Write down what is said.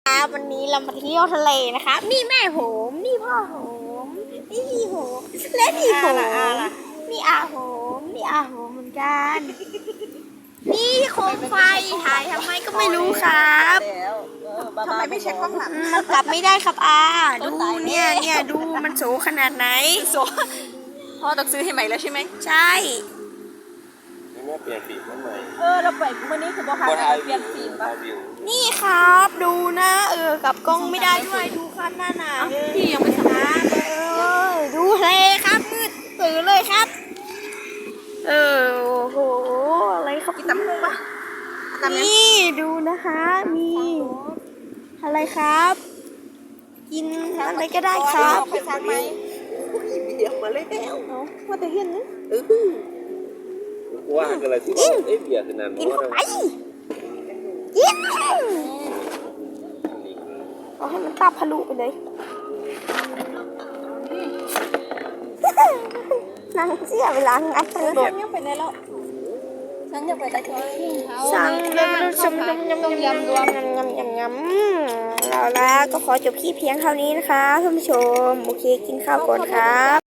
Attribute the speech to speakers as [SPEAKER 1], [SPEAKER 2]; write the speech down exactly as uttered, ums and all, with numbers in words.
[SPEAKER 1] ครับวันนี้เรามาเที่ยวทะเลนะคะนี่แม่โหมนี่พ่อโหมนี่พี่โหมและนี่โหมนี่อาโหมนี่อาโหมเหมือนกันนี่โคมไฟถ่ายทำไมก็ไม่รู้ครับ
[SPEAKER 2] ทำไมไม่เช็คข้างหลัง
[SPEAKER 1] มันกลับไม่ได้ครับอาดูเนี่ยเนี่ยดูมันโสขนาดไหน
[SPEAKER 2] โสพ่อต้องซื้อให้ใหม่แล้วใช่ไหม
[SPEAKER 1] ใช่
[SPEAKER 3] นี่แม่เปลี่ยนฟิล์มใหม่
[SPEAKER 2] เออเราไปเมื่อนี้คือบอกค่ะเปลี่ยนฟิล์มป่ะ
[SPEAKER 1] นี่ครับดูนะเออกับกล้องไม่ได้ด้วยดูครับหน้าหนา
[SPEAKER 2] พี่ยังไม่สามารถ
[SPEAKER 1] เออดูเลยครับมืดตื่นเลยครับเออโอ้โหอะไรครับ
[SPEAKER 2] กินตำลึงป่ะ
[SPEAKER 1] นี่ดูนะคะมีอะไรครับกินอะไรก็ได้ครับ
[SPEAKER 2] ไปทางไหม
[SPEAKER 3] เดี๋ยวมาเลยแล้ว
[SPEAKER 2] ว่าแต่เห็นนะ
[SPEAKER 3] เออว่ากันเลยที่เอ้ยเบียร์คือนาน
[SPEAKER 1] กินเข้าไปกินเอาให้มันตับทะลุไปเลยนั่งเสียเวลางัดไปเลย
[SPEAKER 2] ฉันยังไปไหนแล้วฉันยังไปแต่ที่
[SPEAKER 1] สั่งยำยำยำยำยำยำรวมยำยำยำยำแล้วแล้วก็ขอจบคลิปเพียงเท่านี้นะคะท่านผู้ชมโอเคกินข้าวก่อนครับ